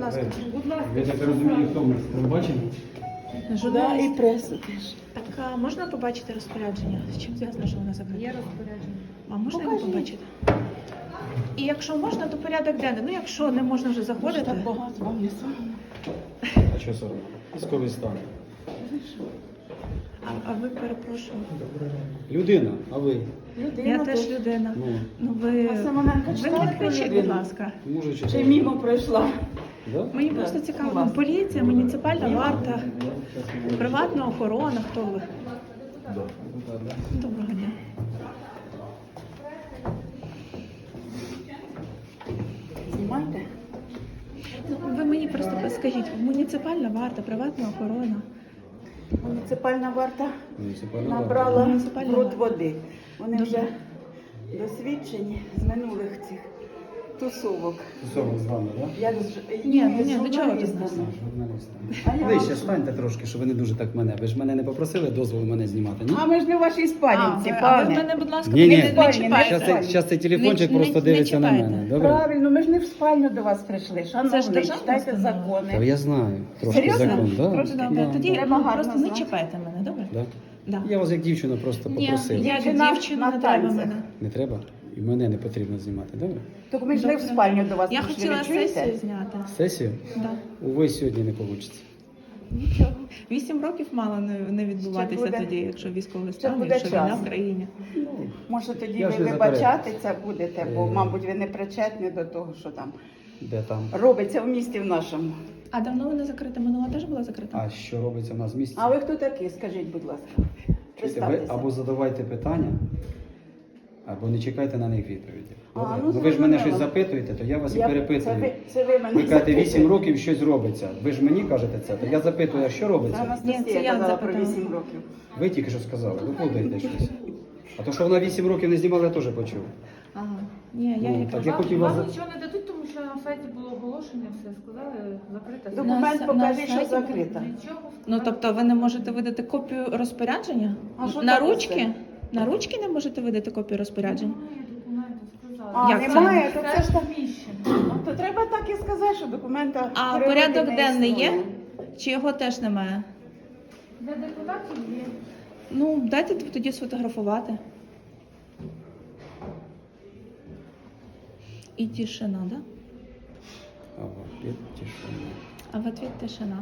ласка. Ви так розумієте, хто ми? Телебачення? Журналіст. І пресу теж. Так, а можна побачити розпорядження? З чим зв'язано, що вона закрита? Є розпорядження. А можна його Покажіть. побачити? І якщо можна, то порядок денний. Ну, якщо не можна вже заходити. Так багато вам не соромно. А що сором? Військовий стан. А ви перепрошую. Людина, а ви? Людина Я теж людина. Ну, Ну ви, А Семененко ви читали не про кричіть, будь людину? ласка. може чи Чи мімо пройшла? Да? Мені просто цікаво, Клас. поліція, муніципальна варта, приватна охорона, хто ви? Доброго дня. Знімайте. Ну, ви мені просто скажіть, муніципальна варта, приватна охорона. Муніципальна варта Муніципальна набрала Муніципальна пруд варта. води. Вони Добре. вже досвідчені з минулих цих тусовок. Тусовок з вами, так? Як Ні, до чого тут журналістами. нас? А я Ви вам ще станьте трошки, щоб ви не дуже так мене. Ви ж мене не попросили дозволу мене знімати, ні? А ми ж не в вашій спальниці, а ви пане. мене, будь ласка, Ні, ні. не Спальні, чіпайте. Зараз цей телефончик Не- просто не дивиться на чіпайте. мене. Добре? Правильно, ми ж не в спальню до вас прийшли. Це ж Шановний, державна читайте установа. Та закони. я знаю. Трошки Серйозно? закон, да? Трошки? Добре, Да, тоді да. Треба гарно просто не знати. чіпайте мене, добре? Да? Да. Я вас як дівчина просто Ні, попросив. я як Дівчина дівчина на не треба танцях. мене. Не треба? І мене не потрібно знімати, добре? Так ми ж не в Добре. спальню до вас Я прийшли, хотіла ви чуєте? сесію зняти. Сесію? Да. Увесь сьогодні не вийде. Нічого. 8 років мало не відбуватися Ще буде- тоді, якщо військовий ще стан, буде якщо війна час. в країні. Може тоді Я ви ж не вибачатися будете, бо, Е. мабуть, ви не причетні до того, що там Де там? робиться в місті в нашому. А давно вона закрита? Минула теж була закрита? А що робиться в нас в місті? А ви хто такий, скажіть, будь ласка. Чуєте, ви Представтеся. або задавайте питання, або не чекайте на них відповіді. А, Добре? ну, Ну, ви ж мене зрозуміло. щось запитуєте, то я вас і Це перепитую. це ви мене Ви кажете, 8 запитуєте. років щось робиться. Ви ж мені кажете це, то я запитую, а що Це робиться? Ні, це Анастасія я казала про запитала. 8 років. Ви тільки що сказали, виплутаєте щось. А то, що вона 8 років не знімала, я теж почув. Ага. Ні, я Ну, як так я хотів вас... Вам нічого не дадуть, тому що на сайті було оголошення, все сказали, закрита. Документ на покажи, що сайті закрита. Нічого. Ну, тобто ви не можете видати копію розпорядження? А що На таке ручки? це? На ручки не можете видати копію розпорядження? Немає документів, сказали. А, Як це? немає, то це ж так. Приміщення. То треба так і сказати, що документа А природи порядок не денний є? існує. Чи його теж немає? Для депутатів є. Ну, дайте тоді сфотографувати. І тишина, да? А, опять тишина. А в ответ тишина.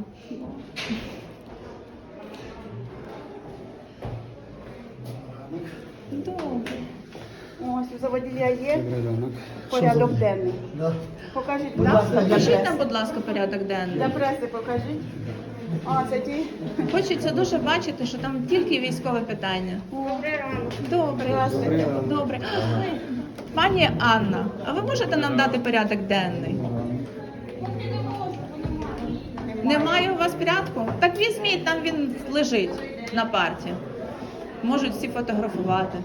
Добре. Ось, у заводія є Добрий ранок. порядок денний. Покажіть, будь ласка, для Покажіть нам, преси. будь ласка, порядок денний. Для преси покажіть. А, це ті? Хочеться дуже бачити, що там тільки військове питання. Добре. Здравствуйте. Добре. Ой, пані Анна, а ви можете нам дати порядок денний? Немає у вас порядку? Так візьміть, там він лежить на парті. Можуть всі фотографувати.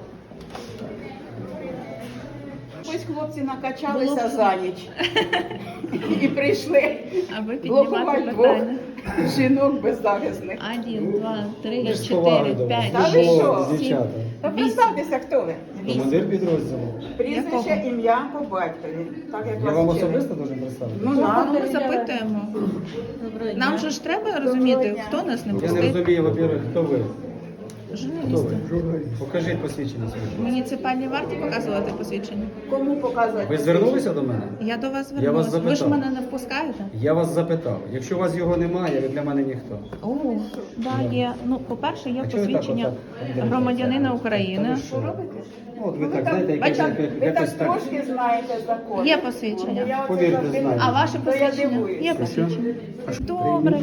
Ось хлопці накачалися Було б- за ніч. І прийшли А ви піднімати блокувати двох питання. жінок беззахисних. 1, 2, 3, Ви ж з поваги 4, до вас. 5, Та ви 6, що? 7. Дівчата. Та Вісім. представтеся, хто ви. Командир підрозділу. Прізвище, Якого? ім'я по батькові. Так як Я вам вас вчили. особисто дуже представити? Ну, Ну, надо. ми запитуємо. Нам же ж треба розуміти, дня. хто нас не Я не пустив. розумію, во-первых, хто ви? Хто Журналісти. ви? Покажіть посвідчення своє. Муніципальній варті показувати посвідчення. Кому показувати? Ви звернулися до мене? Я до вас Я звернулася. вас Ви ж запитав. мене не впускаєте? Я вас запитав. Якщо у вас його немає, ви для мене ніхто. О, да, є. Ну, по-перше, є А чого ви так посвідчення отак? громадянина Та України. ви що? робите? Ну, от ви Ви так, так, знаєте, ви якось так так. трошки знаєте закон. Є посвідчення. Я оце Повірте, завжди- знаю. А ваше То я посвідчення? дивуюсь. Є посвідчення. Добре.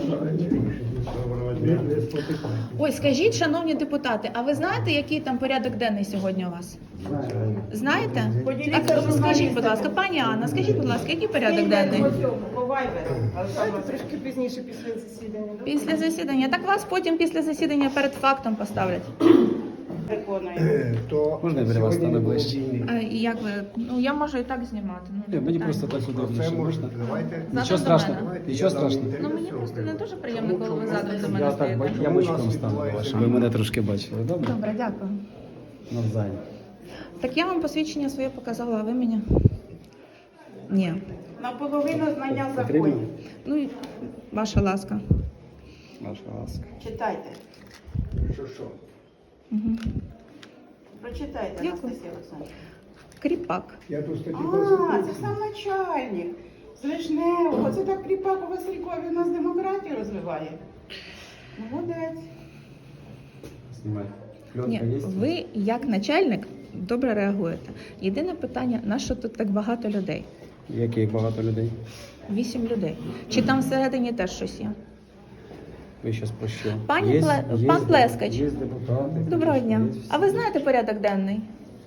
Ой, скажіть, шановні депутати, а ви знаєте, який там порядок денний сьогодні у вас? Знаєте? Поділіться Так, з скажіть, будь журналістами. ласка, пані Анна, скажіть, будь ласка, який порядок Скиньте денний? по цьому, по Viber. Трошки пізніше після засідання. Після засідання. Так вас потім після засідання перед фактом поставлять. Виконуємо. Можна я біля вас стану ближче? А і як ви? Ну я можу і так знімати. Ну, Ні, мені питання. просто так удобніше. Можна? Давайте. Нічого до страшного. мене. Нічого страшного. Ну мені просто не дуже приємно, коли ви задом до мене Я так стоїте. я бочком стану, щоб ви мене трошки бачили. Добре? Добре, дякую. Навзаєм. Так я вам посвідчення своє показала, а ви мені? Ні. Наполовину знання Потрібно? законів. Ну і ваша ласка. Ваша ласка. Читайте. Що? Угу. Прочитайте, Дякую. Анастасія Олександрівна. Кріпак. Я тут статті А, це сам начальник. З Лишневого. Це так Кріпак у Василькові у нас демократію розвиває. Молодець. Знімай. Пленка Ні, є? ви як начальник добре реагуєте. Єдине питання, на що тут так багато людей? Яких багато людей? 8 людей. Чи там всередині теж щось є? Ви зараз про що? Пан Плескач. Є депутати. Доброго є дня. всі. А ви знаєте порядок денний?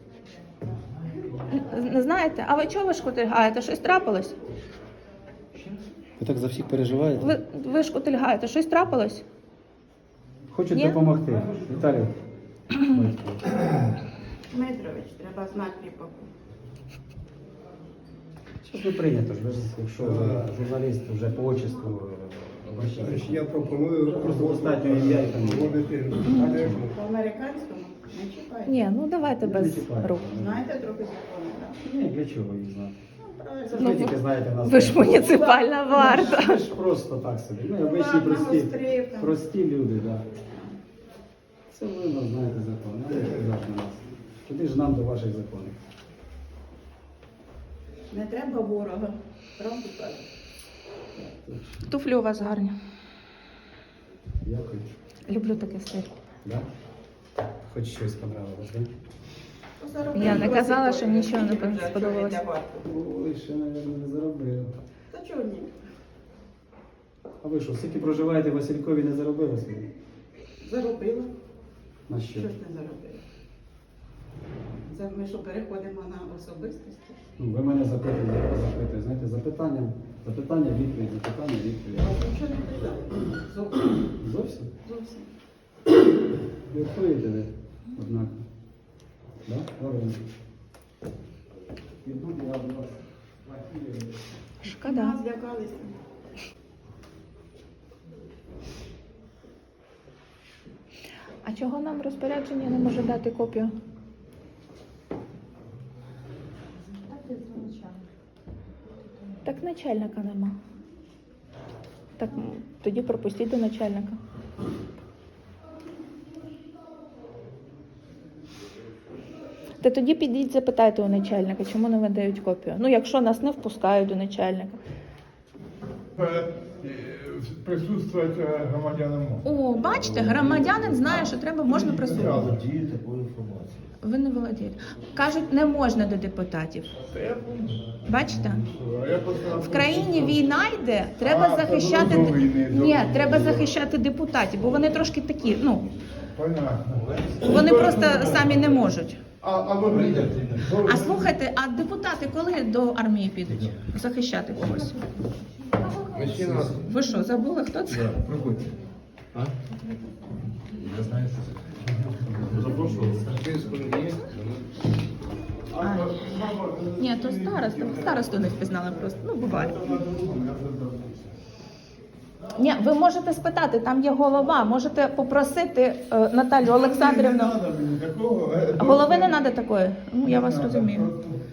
Не знаєте? А ви чого ви шкутильгаєте? Щось трапилось? Ви так за всіх переживаєте? Ви шкутильгаєте? Щось трапилось? Хочуть Ні? допомогти. Віталій. Дмитрович, треба знати Кріпаку. Зараз не прийнято ж, ви ж, якщо журналіст вже по отчеству обращається. Я пропоную Просто достатньо ім'я і фамілію. проводити По-американському не чіпайте. Ні, ну давайте Не без чіпаю. рук. Знаєте трохи закони, так? Ні, для чого їх знати? Це ж Ну, ви тільки знаєте нас. Ви ж муніципальна варта. Ви ж просто так собі. Ми обичні ладно, прості, гострів там. прості люди, так. Да. Це ви нас знаєте закони, а не казати на нас. Куди ж нам до ваших законів? Не треба ворога. Правду кажуть. Туфлі у вас гарні. Дякую. Люблю такий стиль. Да? Хоч щось понравилось, так? Я не казала, що нічого не сподобалось. Ой, ще, мабуть, не заробив. Та чого ні? А ви що, скільки проживаєте в Василькові, не заробили собі? Заробила. На що? Що ж не заробила? Ми що переходимо на особистості? Ну, ви мене запитуєте, я вас запитую. Знаєте, запитання, відповідь, запитання, відповідь. Я нічого не казала. Зовсім. Зовсім? Зовсім. Відповідаєте ви, однак. Да? Правильно. Відбуду я до вас. Шкода. Нас злякалися. А чого нам розпорядження не може дати копію? Так начальника нема. Так тоді пропустіть до начальника. Та тоді підіть, запитайте у начальника, чому не видають копію. Ну, якщо нас не впускають до начальника. Присутствувати громадянам можна. О, бачите, громадянин знає, що треба, можна присутствувати. Володію такою інформацією. Ви не володієте. Кажуть, не можна до депутатів. Та я помню. Бачите? Я просто В країні війна йде, треба захищати. до війни, до Ні, війни. треба захищати депутатів, бо вони трошки такі, ну, Понятно. вони просто самі не можуть. А ви прийдете? А слухайте, а депутати коли до армії підуть захищати когось? Мужчина. Ви що, забули, хто це? Проходьте. Я знаю, що це. Запрошували. А, ні, то староста. Старосту не впізнали просто. Ну, буває. Ні, ви можете спитати, там є голова, можете попросити Наталю Олександрівну. Голови не треба такої. Ну, я вас розумію.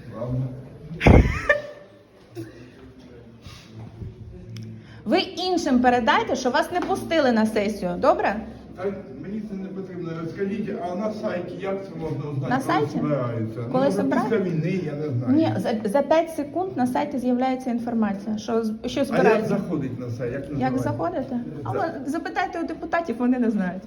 Ви іншим передайте, що вас не пустили на сесію, добре? Мені це не потрібно. Скажіть, а на сайті як це можна узнати? На сайті? Коли збираються? Коли Ну, збирають? після війни, я не знаю. Ні, за 5 секунд на сайті з'являється інформація, що А як збирається. заходить на сайт? Як Як називається? заходите? А ви запитайте у депутатів, вони не знають.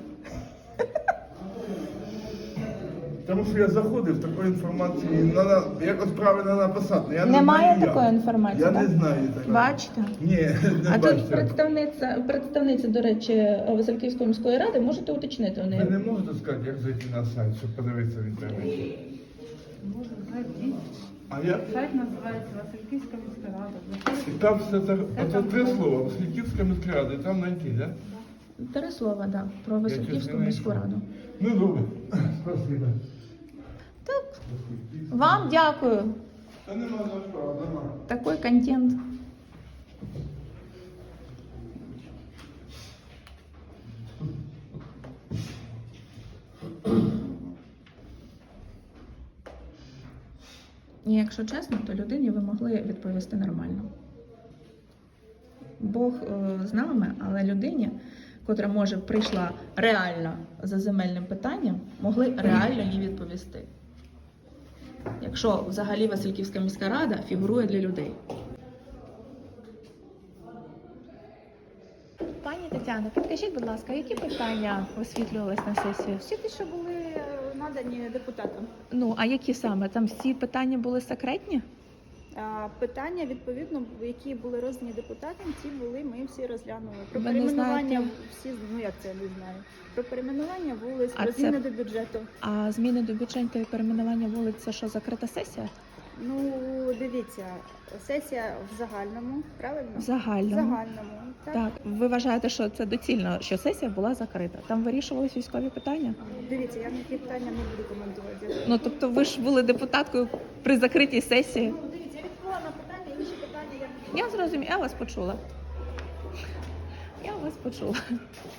Тому що я заходив, такої інформації надо якось правильно написати. Я не Немає знаю, як. такої інформації, Я так? не знаю такої. Бачите? Ні, не А бачите. тут представниця, до речі, Васильківської міської ради, можете уточнити у Ви неї. не можете сказати, як зайти на сайт, щоб подивитися в інтернеті? Можна сайт дійсно. А я... Сайт називається Васильківська міська рада. І там все це, оце три слова, Васильківська міська рада, і там знайти, так? Да? 3 слова, да, про Васильківську міську раду. Ну, добре. Спасибо. Так, вам дякую. Та нема за що, нема. Такий контент. І якщо чесно, то людині ви могли відповісти нормально. Бог з нами, але людині, котра може прийшла реально за земельним питанням, могли реально їй відповісти. Якщо взагалі Васильківська міська рада фігурує для людей. Пані Тетяно, підкажіть, будь ласка, які питання висвітлювались на сесії? Всі ті, що були надані депутатам. Ну, а які саме? Там всі питання були секретні? Питання, відповідно, які були роздані депутатам, ті були, ми всі розглянули. Про Ви не перейменування знаєте? всі, ну як це, я не знаю. Про перейменування вулиць, А про це- зміни до бюджету. А зміни до бюджету і перейменування вулиць – це що, закрита сесія? Ну, дивіться, сесія в загальному, правильно? В загальному. В загальному, так. Так, ви вважаєте, що це доцільно, що сесія була закрита? Там вирішувались військові питання? Дивіться, я ніякі питання не буду коментувати. Ну, тобто ви ж були депутаткою при закритій сесії. Ну, дивіться, я відповіла на питання, інші питання я... Я зрозуміла, я вас почула. Я вас почула.